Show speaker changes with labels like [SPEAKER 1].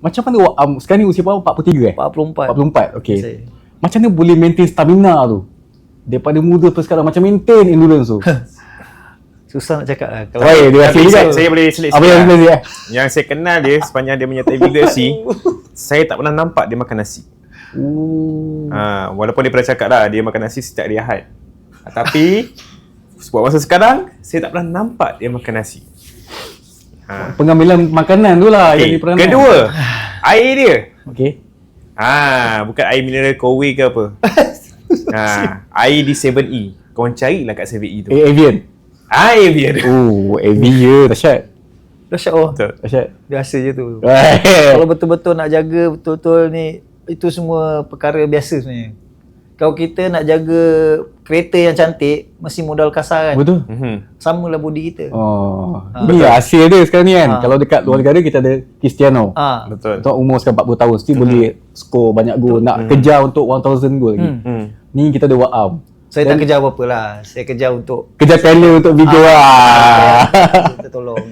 [SPEAKER 1] Macam mana sekarang ni usia berapa? 43
[SPEAKER 2] 44.
[SPEAKER 1] 44, okey.
[SPEAKER 2] Saya.
[SPEAKER 1] Macam mana boleh maintain stamina tu? Daripada muda sampai sekarang, macam maintain endurance tu.
[SPEAKER 2] Susah nak cakap lah. Kalau
[SPEAKER 1] Baik,
[SPEAKER 3] Saya boleh selit
[SPEAKER 1] apa yang
[SPEAKER 3] sikit lah.
[SPEAKER 1] dia?
[SPEAKER 3] Yang saya kenal dia sepanjang dia menyertai WRC, saya tak pernah nampak dia makan nasi. Walaupun dia pernah cakap lah dia makan nasi setiap hari Ahad. Tapi buat masa sekarang saya tak pernah nampak dia makan nasi.
[SPEAKER 1] Pengambilan makanan tu lah yang dia pernah.
[SPEAKER 3] Kedua, air dia.
[SPEAKER 1] Okey.
[SPEAKER 3] Bukan air mineral Kowe ke apa. Air di 7E. Korang carilah kat 7E tu.
[SPEAKER 1] Avian.
[SPEAKER 3] Air.
[SPEAKER 1] Avian dahsyat.
[SPEAKER 2] dahsyat oh.
[SPEAKER 1] Dahsyat.
[SPEAKER 2] Biasa je tu. Kalau betul-betul nak jaga betul-betul ni, itu semua perkara biasa sebenarnya. Kalau kita nak jaga kereta yang cantik, mesti modal kasar kan.
[SPEAKER 1] Betul.
[SPEAKER 2] Samalah body kita.
[SPEAKER 1] Ini hasil dia sekarang ni kan. Kalau dekat luar negara kita ada Cristiano.
[SPEAKER 3] Betul.
[SPEAKER 1] Untuk umur sekarang 40 tahun still boleh skor banyak gol. Nak kejar untuk 1000 gol lagi. Ni kita ada Waam.
[SPEAKER 2] Saya tak kejar apa-apa lah. Saya kejar untuk
[SPEAKER 1] Kejar talent untuk video lah.
[SPEAKER 2] kita tolong.